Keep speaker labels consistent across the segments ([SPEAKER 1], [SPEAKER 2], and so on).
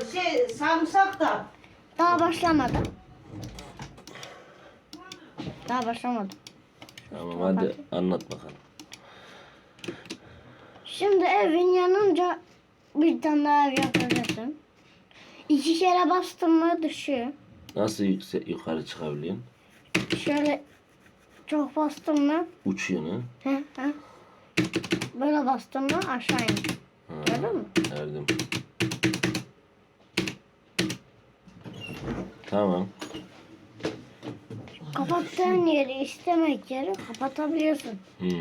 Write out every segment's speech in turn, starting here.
[SPEAKER 1] Sarımsak da.
[SPEAKER 2] Daha başlamadı. Daha başlamadı.
[SPEAKER 3] Tamam hadi anlat bakalım.
[SPEAKER 2] Şimdi evin yanınca bir tane daha ev yapacaksın. 2 kere bastın mı düşüyor.
[SPEAKER 3] Nasıl yukarı çıkabiliyorsun?
[SPEAKER 2] Şöyle çok bastın mı?
[SPEAKER 3] Uçuyorsun ha?
[SPEAKER 2] He. Böyle bastın mı aşağı iniyor. Gördün mü?
[SPEAKER 3] Gördüm. Tamam.
[SPEAKER 2] Kapattığın yeri istemek yeri kapatabiliyorsun.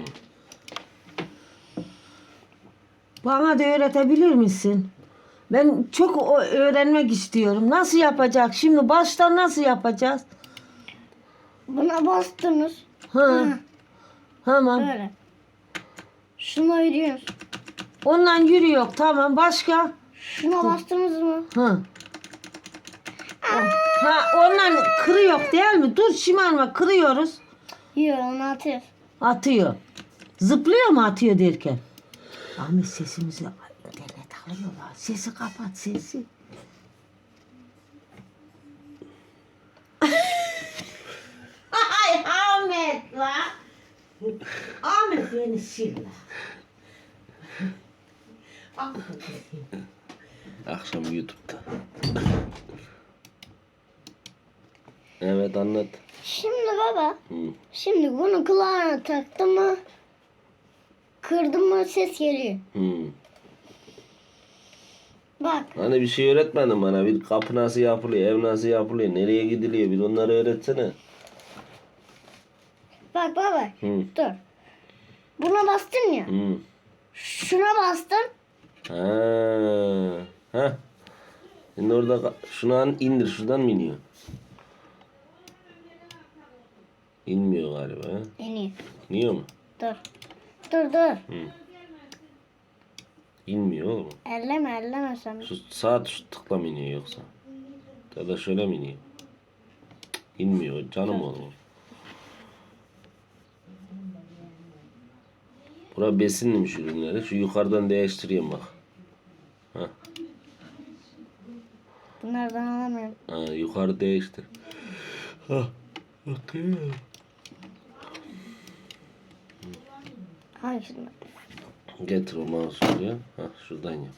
[SPEAKER 1] Bana da öğretebilir misin? Ben çok öğrenmek istiyorum. Nasıl yapacak? Şimdi baştan nasıl yapacağız?
[SPEAKER 2] Buna bastınız.
[SPEAKER 1] Ha. Tamam.
[SPEAKER 2] Böyle. Şuna yürüyorsun.
[SPEAKER 1] Ondan yürüyor. Tamam. Başka?
[SPEAKER 2] Şuna bastınız mı?
[SPEAKER 1] Ha. Ha, ondan kırıyor değil mi? Dur şımarma. Kırıyoruz.
[SPEAKER 2] Yok onu atıyor.
[SPEAKER 1] Atıyor. Zıplıyor mu atıyor derken? Ahmet sesimizi internet alıyorlar. Sesi kapat sesi. Ay Ahmet la. Ahmet beni sil la.
[SPEAKER 3] Akşam YouTube'da. Evet anlat.
[SPEAKER 2] Şimdi baba.
[SPEAKER 3] Hı.
[SPEAKER 2] Şimdi bunu kulağına taktı mı? Kırdı mı ses geliyor. Bak.
[SPEAKER 3] Hani bir şey öğretmedin bana. Bir kapı nasıl yapılıyor, ev nasıl yapılıyor, nereye gidiliyor. Bir onları öğretsene.
[SPEAKER 2] Bak baba.
[SPEAKER 3] Hı.
[SPEAKER 2] Dur. Buna bastın ya.
[SPEAKER 3] Hı.
[SPEAKER 2] Şuna bastın.
[SPEAKER 3] Ha. Ha. Şimdi orada şunu an indir. Şuradan mı iniyor? İnmiyor galiba. Ha?
[SPEAKER 2] İniyor.
[SPEAKER 3] İniyor mu?
[SPEAKER 2] Dur. Dur.
[SPEAKER 3] İnmiyor oğlum.
[SPEAKER 2] Elleme sen.
[SPEAKER 3] Şu sağ tıkla mı iniyor yoksa? Ya da şöyle mi iniyor? Cık, İnmiyor canım oğlum. Bura besinmiş ürünleri. Şu yukarıdan değiştireyim bak. Ha.
[SPEAKER 2] Bunlardan alamıyorum.
[SPEAKER 3] Ha, yukarı değiştir. Ha. Bakayım.
[SPEAKER 2] Hangisinden?
[SPEAKER 3] Getir o mouse'u buraya. Ha, şuradan yap.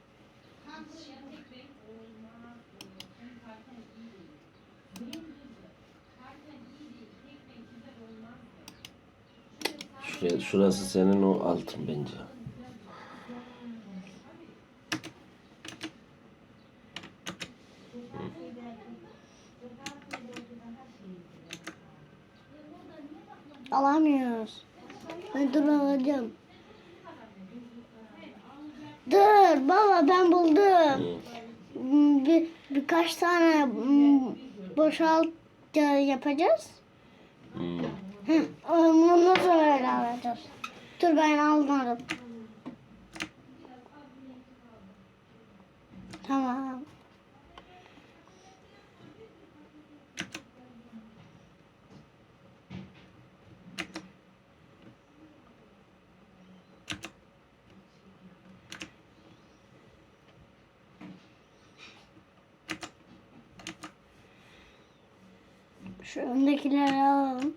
[SPEAKER 3] Şurası senin o altın bence.
[SPEAKER 2] Alamıyoruz. Dur alacağım. Dur baba ben buldum. Birkaç tane boşalt yapacağız. Ondan sonra öyle alacağız. Dur ben aldım. Tamam. Şu öndekileri alalım.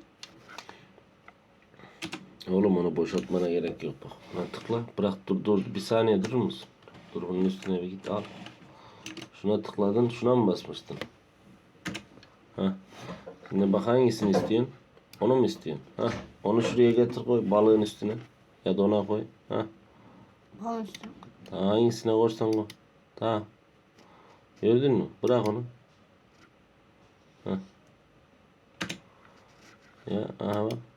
[SPEAKER 3] Oğlum onu boşaltmana gerek yok bak. Lan tıkla. Bırak dur bir saniye durur musun? Dur bunun üstüne bir git al. Şuna tıkladın. Şuna mı basmıştın? Ha. Şimdi bak hangisini istiyorsun? Onu mu istiyorsun? Ha. Onu şuraya getir koy balığın üstüne. Ya da ona koy. Ha.
[SPEAKER 2] Balon üstüne.
[SPEAKER 3] Tamam, hangisine koysan koy. Tamam. Gördün mü? Bırak onu. Ha. Ya aha bak.